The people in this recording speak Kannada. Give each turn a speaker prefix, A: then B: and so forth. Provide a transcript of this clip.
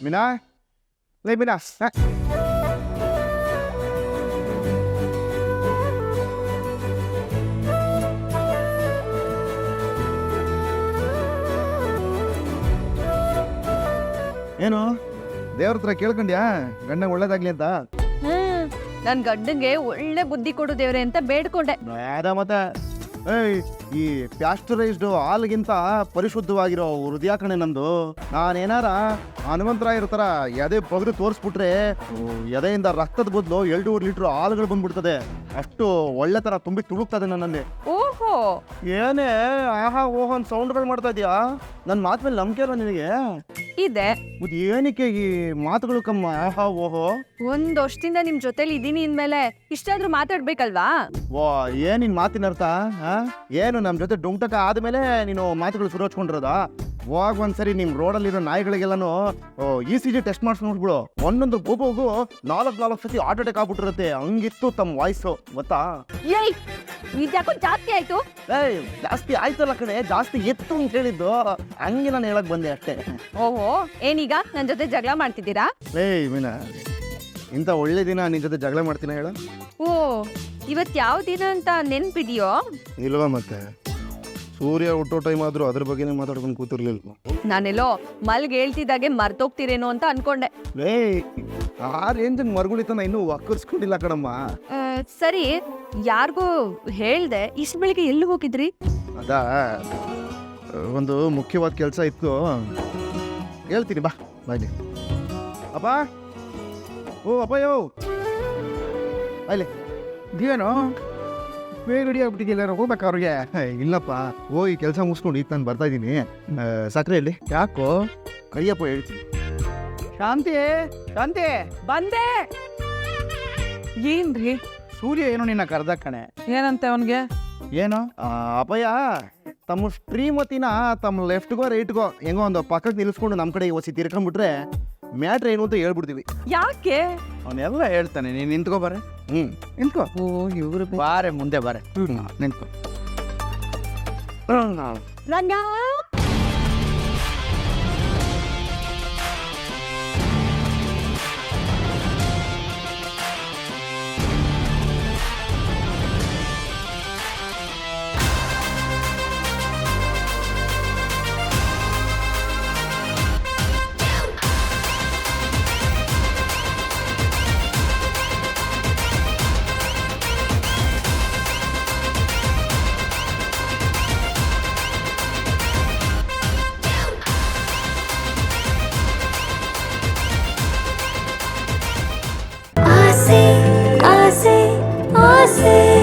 A: ಮೀನಾ ಲೇ ಮೀನಾ ಏನು ದೇವ್ರ ಹತ್ರ ಕೇಳ್ಕೊಂಡ್ಯಾ ಗಂಡ ಒಳ್ಳೇದಾಗ್ಲಿ ಅಂತ?
B: ನನ್ ಗಂಡಂಗೆ ಒಳ್ಳೆ ಬುದ್ಧಿ ಕೊಡು ದೇವ್ರೆ ಅಂತ ಬೇಡ್ಕೊಂಡೆ.
A: ಮತ್ತೆ ಏಯ್ ಈ ಪ್ಯಾಸ್ಟರೈಸ್ಡ್ ಹಾಲ್ಗಿಂತ ಪರಿಶುದ್ಧವಾಗಿರೋ ಹೃದಯ ಕಣೆ ನಂದು. ನಾನೇನಾರ ಹನುಮಂತರಾಯರ ಥರ ಎದೆ ಬಗ್ದು ತೋರಿಸ್ಬಿಟ್ರೆ ಎದೆಯಿಂದ ರಕ್ತದ ಬದಲು 2 ಲೀಟ್ರ್ ಹಾಲುಗಳು ಬಂದ್ಬಿಡ್ತದೆ. ಅಷ್ಟು ಒಳ್ಳೆ ಥರ ತುಂಬಿ ತುಳುಕ್ತದೆ ನನ್ನಲ್ಲಿ.
B: ಓಹೋ,
A: ಏನೇ ಆಹಾ ಓಹೋ ಅಂತ ಸೌಂಡ್ಗಳು ಮಾಡ್ತಾ ಇದೀಯಾ? ನನ್ನ ಮಾತು ಮೇಲೆ ನಂಬಿಕೆ ಅಲ್ಲ ನಿನಗೆ?
B: ಇದೆ.
A: ಮತ್ತೆ ಏನಕ್ಕೆ ಈ ಮಾತುಗಳು ಕಮ್ಮ ಆಹಾ ಓಹೋ?
B: ಒಂದ್ ವರ್ಷದಿಂದ ನಿಮ್ ಜೊತೆಲಿ ಇದೀನಿ ಇನ್ಮೇಲೆ ಇಷ್ಟಾದ್ರೂ ಮಾತಾಡ್ಬೇಕಲ್ವಾ?
A: ವಾ ಏನ್ ನಿನ್ ಮಾತಿನ ಅರ್ಥ? ಏನು ನಮ್ ಜೊತೆ ಡುಂಟಕ ಆದ್ಮೇಲೆ ನೀನು ಮಾತುಗಳು ಶುರು ಹಚ್ಕೊಂಡಿರೋದಾ? ಹೋಗ್ ಒಂದ್ಸರಿ ನಿಮ್ ರೋಡಲ್ಲಿರೋ ನಾಯಿಗಳಿಗೆಲ್ಲಾನು ECG ಟೆಸ್ಟ್ ಮಾಡಿಸ್ ನೋಡ್ಬಿಡು. ಒಂದೊಂದು ಗೋಗೋಗು 4 ಸತಿ ಹಾರ್ಟ್ ಅಟ್ಯಾಕ್ ಆಗ್ಬಿಟ್ಟಿರುತ್ತೆ. ಹಂಗಿತ್ತು ತಮ್ಮ ವಾಯ್ಸು ಗೊತ್ತಾ?
B: ಏಯ್, ಇದ್ಯಾಕೋ ಜಾಸ್ತಿ ಆಯ್ತು.
A: ಏಯ್ ಜಾಸ್ತಿ ಆಯ್ತಲ್ಲ ಕಣೆ, ಜಾಸ್ತಿ ಎತ್ತು ಅಂತ ಹೇಳಿದ್ದು. ಹಂಗೆ ನಾನು ಹೇಳಕ್ ಬಂದೆ ಅಷ್ಟೇ.
B: ಓಹೋ, ಏನೀಗ ನನ್ ಜೊತೆ ಜಗಳ ಮಾಡ್ತಿದ್ದೀರಾ?
A: ಏಯ್ ಮೀನಾ, ಇಂಥ ಒಳ್ಳೆ ದಿನ ನಿನ್ ಜೊತೆ ಜಗಳ ಮಾಡ್ತೀನ ಹೇಳ?
B: ಓ, ಇವತ್ ಯಾವ ದಿನ ಅಂತ ನೆನ್ಪಿದ್ಯೋ?
A: ಇಲ್ವಾ ಮತ್ತೆ? ಸೂರ್ಯ ಹುಟ್ಟೋ ಟೈಮ್ ಆದ್ರೂ ಅದ್ರ ಬಗ್ಗೆನೇ ಮಾತಾಡ್ಕೊಂಡು ಕೂತಿರ್ಲಿಲ್ವ?
B: ನಾನೆಲ್ಲೋ ಮಲ್ಗೆ ಹೇಳ್ತಿದ್ದಾಗೆ ಮರ್ತೋಗ್ತಿರೇನೋ ಅಂತ ಅನ್ಕೊಂಡೆ.
A: ಏಯ್ ಆ ರೇಂಜ್ ಮರ್ಗುಳಿತನ ಇನ್ನೂ ಒಕ್ಕರ್ಸ್ಕೊಂಡಿಲ್ಲ ಕಣಮ್ಮ.
B: ಸರಿ, ಯಾರಿಗೂ ಹೇಳ್ದೆ ಇಷ್ಟು ಬೆಳಿಗ್ಗೆ ಎಲ್ಲಿ ಹೋಗಿದ್ರಿ?
A: ಅದಾ ಒಂದು ಮುಖ್ಯವಾದ ಕೆಲಸ ಇತ್ತು, ಹೇಳ್ತೀನಿ ಬಾ ಬಾಯ್ಲಿ. ಅಪ್ಪ, ಓ ಅಪ್ಪಯ್ಯೋ, ಅಲ್ಲಿ ನೀವೇನು ಬೇಗ ರೆಡಿ ಆಗ್ಬಿಟ್ಟಿದ್ದಿಲ್ಲ? ಹೋಗ್ಬೇಕಾ ಅವ್ರಿಗೆ? ಇಲ್ಲಪ್ಪ, ಹೋಗಿ ಕೆಲಸ ಮುಗಿಸ್ಕೊಂಡು ಈಗ ನಾನು ಬರ್ತಾ ಇದ್ದೀನಿ. ಸಕ್ಕರೆಯಲ್ಲಿ ಯಾಕೋ ಕರಿಯಪ್ಪ ಹೇಳ್ತೀನಿ. ಶಾಂತಿ ಶಾಂತಿ,
B: ಬಂದೆ. ಏನ್ರಿ?
A: ಸೂರ್ಯ ಏನೋ ನಿನ್ನ ಕರ್ದ ಕಣೆ.
B: ಏನಂತೆ ಅವನ್ಗೆ?
A: ಏನು ಅಪ್ಪಯ್ಯ ತಮ್ಮ ಶ್ರೀಮತಿನ ತಮ್ಮ ಲೆಫ್ಟ್ಗೋ ರೈಟ್ಗೋ ಹೆಂಗೋ ಒಂದು ಪಕ್ಕಕ್ಕೆ ನಿಲ್ಲಿಸ್ಕೊಂಡು ನಮ್ಮ ಕಡೆ ಒಸಿ ತಿರ್ಕೊಂಡ್ಬಿಟ್ರೆ ಮ್ಯಾಟ್ರ್ ಏನು ಅಂತ ಹೇಳ್ಬಿಡ್ತೀವಿ.
B: ಯಾಕೆ?
A: ಅವನೆಲ್ಲ ಹೇಳ್ತಾನೆ. ನೀನು ನಿಂತ್ಕೋ ಬಾರೆ. ನಿಂತ್ಕೋ.
B: ಓ, ಇವ್ರು
A: ಬಾರೆ ಮುಂದೆ ಬಾರೆ. ನಿಂತ್ಕೋ.
B: ರಂಗ,
C: आसे आसे आसे